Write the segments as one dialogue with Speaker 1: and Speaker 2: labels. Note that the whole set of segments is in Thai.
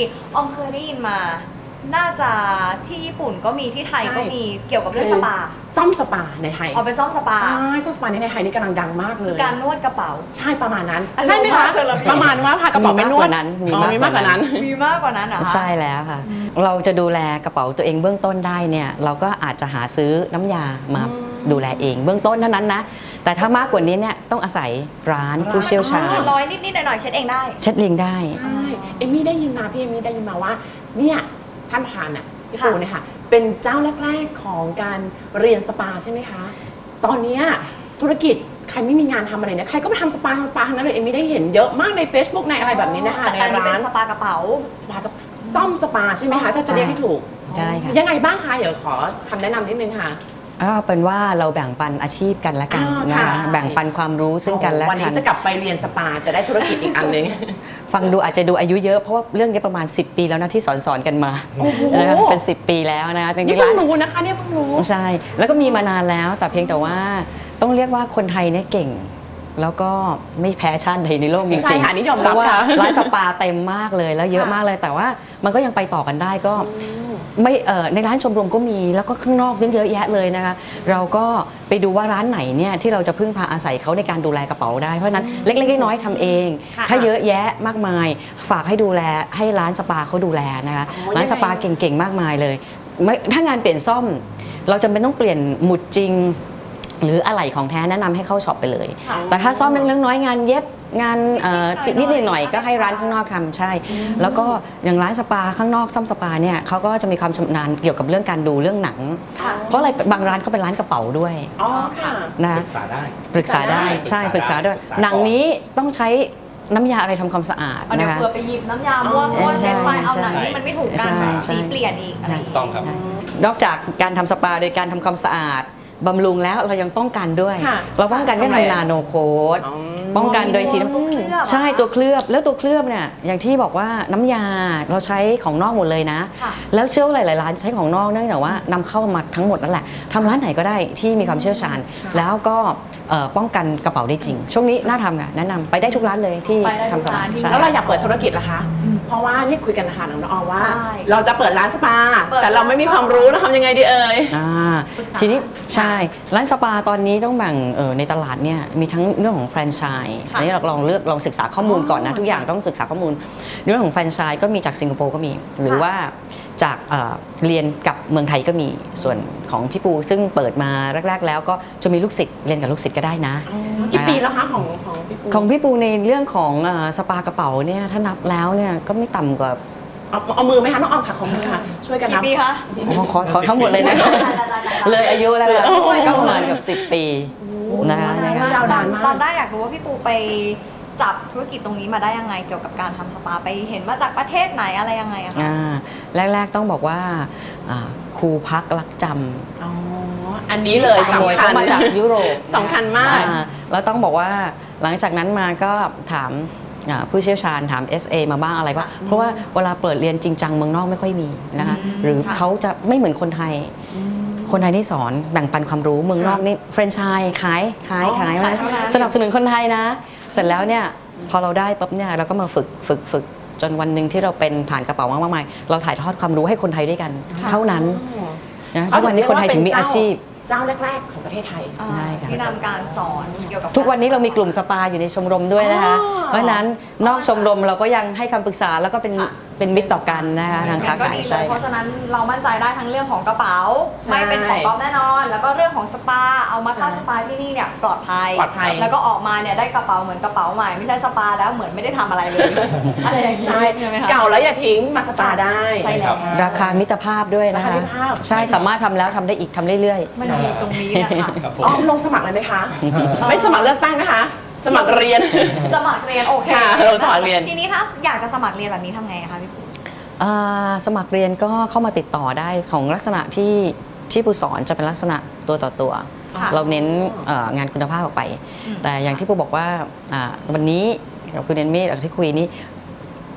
Speaker 1: ออมเคยได้ยินมา น่าจะที่ญี่ปุ่นก็มีที่ไทยก็มีเกี่ยวกับเรื่องสปา
Speaker 2: ซ่อมสปาในไทย
Speaker 1: เอาไปซ่อมสปา
Speaker 2: ใช่ซ่อมสปาในไทยนี่กำลังดังมากเลย
Speaker 1: คือการนวดกระเป๋า
Speaker 2: ใช่ประมาณนั้น
Speaker 1: ใช่ไหมคะ
Speaker 2: ประมาณว่าพากระเป๋าไปนวด
Speaker 3: มีมากกว่านั้น
Speaker 1: มีมากกว่านั้นเหรอคะ
Speaker 3: ใช่แล้วค่ะเราจะดูแลกระเป๋าตัวเองเบื้องต้นได้เนี่ยเราก็อาจจะหาซื้อน้ำยามาดูแลเองเบื้องต้นเท่านั้นนะแต่ถ้ามากกว่านี้เนี่ยต้องอาศัยร้านผู้เชี่ยวชาญ
Speaker 1: ร้อยนิดๆหน่อยๆเช็ดเองได้
Speaker 3: เช็ดเองได้
Speaker 2: ใช่เอมมี่ได้ยินมาพี่เอมมี่ได้ยินมาว่าเนี่ยท่านประธานอ่ะพี่ปูเนี่ยค่ะเป็นเจ้าแรกๆของการเรียนสปาใช่ไหมคะตอนนี้ธุรกิจใครไม่มีงานทำอะไรเนี่ยใครก็ไปทำสปาทั้งนั้นเลยเอมมี่ได้เห็นเยอะมากใน Facebook ในอะไรแบบนี้นะคะในร้าน
Speaker 1: สปากระเป๋า
Speaker 2: สปากับซ่อมสปาใช่ไหมคะถ้าจะเรียกให้ถูก
Speaker 3: ได้ค่ะ
Speaker 2: ยังไงบ้างคะเดี๋ยวขอคำแนะนำนิดนึงค่ะ
Speaker 3: เป็นว่าเราแบ่งปันอาชีพกันและกันนะคะแบ่งปันความรู้ซึ่งกันและกัน
Speaker 2: วันนี้จะกลับไปเรียนสปาจะได้ธุรกิจอีกอันนึง
Speaker 3: ฟังดูอาจจะดูอายุเยอะเพราะว่าเรื่องนี้ประมาณ10 ปีแล้วนะที่สอนกันมาเป็น10 ปีแล้วนะคะจ
Speaker 2: ริงๆร้านรู้นะคะเนี่ยเพิ่งรู้
Speaker 3: ใช่แล้วก็มีมานานแล้วแต่เพียงแต่ว่าต้องเรียกว่าคนไทยเนี่ยเก่งแล้วก็ไม่แพ้ชาติใดในโลกจริง
Speaker 2: ๆ
Speaker 3: เพราะว่าร้านสปาเต็มมากเลยแล้วเยอะมากเลยแต่ว่ามันก็ยังไปต่อกันได้ก็ไม่ในร้านชมรมก็มีแล้วก็ข้างนอกเยอะแยะเลยนะคะเราก็ไปดูว่าร้านไหนเนี่ยที่เราจะพึ่งพาอาศัยเขาในการดูแลกระเป๋าได้เพราะนั้นเล็กๆน้อยๆทำเองถ้าเยอะแยะมากมายฝากให้ดูแลให้ร้านสปาเขาดูแลนะคะร้านสปาเก่งๆมากมายเลยถ้างานเปลี่ยนซ่อมเราจำเป็นต้องเปลี่ยนหมุดจริงหรืออะไหล่ของแท้แนะนำให้เข้าช็อปไปเลยแต่ถ้าซ่อมเล็กๆน้อยงานเย็บงานนิดหน่อยก็ให้ร้านข้างนอกทำใช่แล้วก็อย่างร้านสปาข้างนอกซ่อมสปาเนี่ยเขาก็จะมีความชำนาญเกี่ยวกับเรื่องการดูเรื่องหนังเพราะอะไรบางร้านเขาเป็นร้านกระเป๋าด้วยนะ
Speaker 4: ปรึกษาได้
Speaker 3: ใช่ปรึกษาด้วยหนังนี้ต้องใช้น้ำยาอะไรทำความสะอาด
Speaker 1: นะคะเผื่อไปหยิบน้ำยามั่วซั่วเช็ดไปเอาหนังที่มันไม่ถูกกันสีเปลี่ยนอีกอะไร
Speaker 4: ต้องครับ
Speaker 3: นอกจากการทำสปาโดยการทำความสะอาดบำรุงแล้วเรายังป้องกันด้วยเราป้องกันด้วยทำนาโนโคดป้องกันโดยฉีดน้ำใช่ตัวเคลือบแล้วตัวเคลือบเนี่ยอย่างที่บอกว่าน้ำยาเราใช้ของนอกหมดเลยนะแล้วเชื่อว่าหลายๆร้านใช้ของนอกเนื่องจากว่านำเข้ามาทั้งหมดนั่นแหละทำร้านไหนก็ได้ที่มีความเชี่ยวชาญแล้วก็ป้องกันกระเป๋าได้จริงช่วงนี้น่าทำค่ะแนะนำไปได้ทุกร้านเลยที่ทำสปา
Speaker 2: แล้วเราอยากเปิดธุรกิจล่ะคะเพราะว่านี่คุยกันนะคะน้องออว่าเราจะเปิดร้านสปาแต่เราไม่มีความรู้เราทำยังไงดีเอ่ย
Speaker 3: ทีนี้ใช่ร้านสปาตอนนี้ต้องแบ่งในตลาดเนี่ยมีทั้งเรื่องของแฟรนไชส์อันนี้เราลองศึกษาข้อมูลก่อนนะทุกอย่างต้องศึกษาข้อมูลเรื่องของแฟรนไชส์ก็มีจากสิงคโปร์ก็มีหรือว่าจากเรียนกับเมืองไทยก็มีส่วนของพี่ปูซึ่งเปิดมาแรกๆแล้วก็จะมีลูกศิษย์เรียนกับลูกศิษย์ก็ได้นะ
Speaker 2: กี่ปีแล้วคะของพี่ปู
Speaker 3: ของพี่ปูในเรื่องของสปากระเป๋าเนี่ยถ้านับแล้วเนี่ยก็ไม่ต่ำกว่า
Speaker 2: เอามือไหมคะน้องออมค่ะของมือค่ะช่วยกันนับ
Speaker 1: กี่ปีคะ
Speaker 3: ขอทั้งหมดเลยนะเลยอายุแล้วนะก็ประมาณกับ10 ปี
Speaker 1: นะคะตอนได้อยากรู้ว่าพี่ปูไปจับธุรกิจตรงนี้มาได้ยังไงเกี่ยวกับการทำสปาไปเห็นมาจากประเทศไหนอะไรยังไงอะคะ
Speaker 3: แรกๆต้องบอกว่าครูพักรักจ
Speaker 2: ำอันนี้เลยสำคัญ
Speaker 3: มาจากยุโรป
Speaker 2: สำคัญมาก
Speaker 3: แล้วต้องบอกว่าหลังจากนั้นมาก็ถามผู้เชี่ยวชาญถาม SA มาบ้างอะไรบ้างเพราะว่าเวลาเปิดเรียนจริงจังเมืองนอกไม่ค่อยมีนะคะหรือเขาจะไม่เหมือนคนไทยนี่สอนแบ่งปันความรู้เมืองนอกนี่แฟรนไชส์ขายสนับสนุนคนไทยนะเสร็จแล้วเนี่ยพอเราได้ปุ๊บเนี่ยเราก็มาฝึกจนวันหนึ่งที่เราเป็นผ่านกระเป๋ามากมายเราถ่ายทอดความรู้ให้คนไทยด้วยกันเท่านั้นนะทุกวันนี้คนไทยถึงมีอาชีพ
Speaker 2: เจ้าแรกๆของประเทศไทย
Speaker 1: ที่นำการสอนเกี่ยวกับ
Speaker 3: ทุกวันนี้เรามีกลุ่มสปาอยู่ในชมรมด้วยนะคะเพราะฉะนั้นนอกชมรมเราก็ยังให้คำปรึกษาแล้วก็เป็นมิตรต่อกันนะคะทางค้าขายใช่
Speaker 1: เพราะฉะนั้นเรามั่นใจได้ทั้งเรื่องของกระเป๋าไม่เป็นของปลอมแน่นอนแล้วก็เรื่องของสปาเอามาเข้าสปาที่นี่เนี่ยปลอดภัยแล้วก็ออกมาเนี่ยได้กระเป๋าเหมือนกระเป๋าใหม่ไม่ใช่สปาแล้วเหมือนไม่ได้ทำอะไรเลยอะไรอย่างนี้
Speaker 2: ใช่เก่าแล้วอย่าทิ้งมาสปาได้
Speaker 1: ใช่แล้ว
Speaker 3: ราคามิตรภาพด้วยนะคะใช่สามารถทำแล้วทำได้อีกทำเรื่อย
Speaker 1: ๆมันดีตรงนี้นะคะ
Speaker 2: ลงสมัครเลยไหมคะไม่สมัครเลือกตั้งนะคะสมัครเรียน
Speaker 1: สมัครเรียนโอเค
Speaker 2: สมัครเรียน
Speaker 1: ทีนี้ถ้าอยากจะสมัครเรียนแบบนี้ทำไงคะพี่ปู
Speaker 3: สมัครเรียนก็เข้ามาติดต่อได้ของลักษณะที่ปูสอนจะเป็นลักษณะตัวต่อตัวเราเน้นงานคุณภาพออกไปแต่อย่างที่ปูบอกว่าวันนี้กับคุณเอมมี่ที่คุยนี้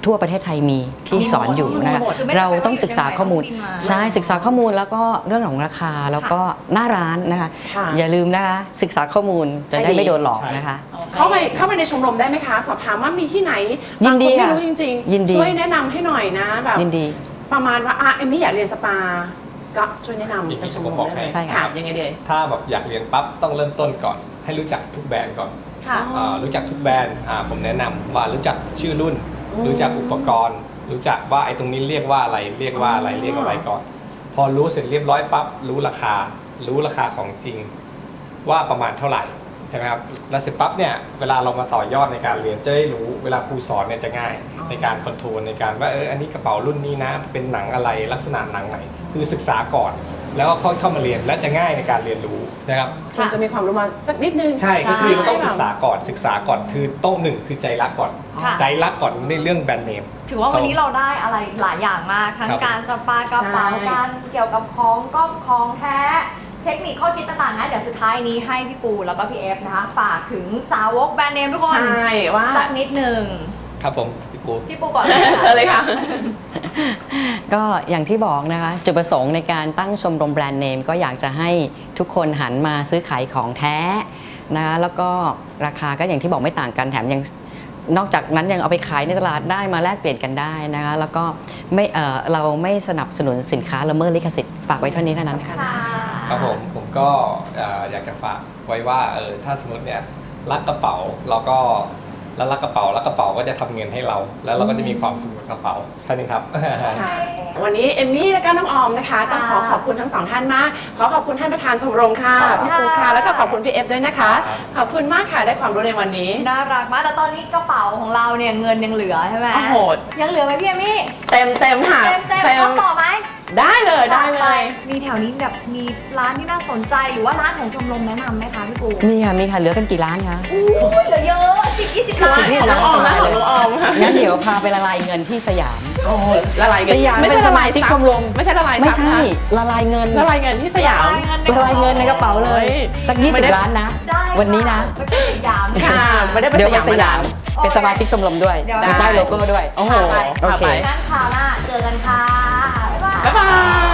Speaker 3: ทั่วประเทศไทยมีที่สอนอยู่นะคะ
Speaker 1: คือไม่จำเป็น
Speaker 3: เราต้องศึกษาข้อมูล
Speaker 1: ต้องบินมา
Speaker 3: ใช่ศึกษาข้อมูลแล้วก็เรื่องของราคาแล้วก็หน้าร้านนะคะ
Speaker 2: ค่ะ
Speaker 3: อย่าลืมนะคะศึกษาข้อมูลจะได้ไม่โดนหลอกนะคะ
Speaker 2: เข้าไปในชมรมได้ไหมคะ สอบถามว่ามีที่ไหน
Speaker 3: ยินดี
Speaker 2: บางคนไม่
Speaker 3: ค่ะ
Speaker 2: รู้จริง
Speaker 3: ยินดี
Speaker 2: ช่วยแนะนำให้หน่อยนะแบบ
Speaker 3: ยินดี
Speaker 2: ประมาณว่าเอมมี่อยากเรียนสปาก็ช่วยแนะนำในชมรมได้เลย
Speaker 3: ใช่ค่ะ
Speaker 2: ค่ะยังไงเดีย
Speaker 4: ถ้าแบบอยากเรียนปั๊บต้องเริ่มต้นก่อน ให้รู้จักทุกแบรนด์ก่อน
Speaker 1: ค่ะ
Speaker 4: รู้จักทุกแบรนด์ผมแนะนำว่ารู้จักชื่อรุ่น รู้จักอุปกรณ์ รู้จักว่าไอ้ตรงนี้เรียกว่าอะไรเรียกว่าอะไรเรียกอะไรก่อน พอรู้เสร็จเรียบร้อยปั๊บรู้ราคาของจริงว่าประมาณเท่าไหร่ใช่ไหมครับแล้วเสร็จปั๊บเนี่ยเวลาเรามาต่อยอดในการเรียนจะได้รู้เวลาครูสอนเนี่ยจะง่ายในการคอนโทรลในการว่าอันนี้กระเป๋ารุ่นนี้นะเป็นหนังอะไรลักษณะหนังไหนคือศึกษาก่อน แล้วก็ค่อยเข้ามาเรียนและจะง่ายในการเรียนรู้นะครับ
Speaker 2: คุณจะมีความรู้มาสักนิดนึง
Speaker 4: ใช่ก็คือต้องศึกษา
Speaker 2: แบบ
Speaker 4: ก่อนคือต้องหนึ่งคือใจรักก่อน
Speaker 1: ค่ะ
Speaker 4: ใจรักก่อนในเรื่องแบรนด์เนม
Speaker 1: ถือว่าวันนี้เราได้อะไรหลายอย่างมาก ทั้ง
Speaker 4: ครับ
Speaker 1: การสปากระเป๋า
Speaker 2: ใช่
Speaker 1: การเกี่ยวกับของก็ของแท้ เทคนิคข้อคิดต่างๆนะเดี๋ยวสุดท้ายนี้ให้พี่ปูแล้วก็พี่เอฟนะคะ ฝากถึงสาวกแบรนด์เนมทุกคน
Speaker 2: ใช่ว่า
Speaker 1: สักนิดหนึ่ง
Speaker 4: ครับผมพี่ปู
Speaker 1: พี่ปูก่อนเลยค่ะ
Speaker 2: เชิญเลยค่ะ
Speaker 3: ก็อย่างที่บอกนะคะจุดประสงค์ในการตั้งชมรมแบรนด์เนมก็อยากจะให้ทุกคนหันมาซื้อขายของแท้นะคะแล้วก็ราคาก็อย่างที่บอกไม่ต่างกันแถมยังนอกจากนั้นยังเอาไปขายในตลาดได้มาแลกเปลี่ยนกันได้นะคะแล้วก็ไม่เราไม่สนับสนุนสินค้าละเมิดลิขสิทธิ์ฝากไว้เท่านี้เท่านั้นค่ะ
Speaker 1: ค่ะ
Speaker 4: ครับผมก็อยากจะฝากไว้ว่าถ้าสมมติเนี่ยรักกระเป๋าเราก็แล้วรักกระเป๋าแล้วกระเป๋าก็จะทำเงินให้เรา แล้วเราก็จะมีความสุขกับกระเป๋าแค่นี้ครับ
Speaker 2: ค่ะวันนี้เอมมี่และก็น้องออมนะคะต้องขอขอบคุณทั้งสองท่านมาก ขอขอบคุณท่านประธานชมรมค่ะ
Speaker 1: ขอบคุณ
Speaker 2: พี่ปูค่ะ
Speaker 1: ค่ะ
Speaker 2: แล้วก็ขอบคุณพี่เอฟด้วยนะคะ ขอบคุณมากค่ะได้ความรู้ในวันนี้
Speaker 1: น่ารักมากแต่ตอนนี้กระเป๋าของเราเนี่ยเงินยังเหลือใช่ไหม
Speaker 2: โอ้โห
Speaker 1: ยังเหลือไหมพี่เอมมี่
Speaker 2: เต็มค่ะ
Speaker 1: เต็มชอบต่อไหม
Speaker 2: ได้เลยได้เลย
Speaker 1: มีแถวนี้แบบมีร้านที่น่าสนใจหรือว่าร้านของชมรมแนะนำไหมคะพี่ปู
Speaker 3: มีค่ะเหลือกันกี่ร้านคะ
Speaker 1: อุ้ยเหลือเยอะ10-20ร้าน
Speaker 3: นี่
Speaker 2: ของน้องออมนะของน้องออมค่ะ
Speaker 3: งั้นเดี๋ยวพาไปละลายเงินที่สยาม
Speaker 2: โอ้โหละลายเงิน
Speaker 3: สยาม
Speaker 2: ไม่
Speaker 3: เป็น
Speaker 2: ใช่
Speaker 3: ส
Speaker 2: ละ
Speaker 3: มา
Speaker 2: ลาย
Speaker 3: ชิกชมรม
Speaker 2: ไม่ใช่ละลาย
Speaker 3: ไม่
Speaker 2: ทรัพย์
Speaker 3: ใช่
Speaker 2: นะ
Speaker 3: ละลายเงิน
Speaker 2: ละลายเงินที่สยาม
Speaker 3: ละลายเงินในกระเป๋าเลย สัก
Speaker 2: ไม่ได้
Speaker 3: 20 ล้านนะ
Speaker 1: ได้
Speaker 3: วันนี้นะ
Speaker 1: ไปเป็นสยาม
Speaker 2: ค่ะไม่ได้ไป
Speaker 3: เดี๋ยวไป
Speaker 2: สยาม
Speaker 3: เป็นสมาชิกชมรมด้วย
Speaker 1: เดี๋ยว
Speaker 3: ได้โลโก้ด้วย
Speaker 2: โอ้โห
Speaker 1: ไป
Speaker 3: โอเค
Speaker 1: งั้นคราวหน้าเจอกันค่ะ บ๊ายบาย
Speaker 2: บ๊ายบาย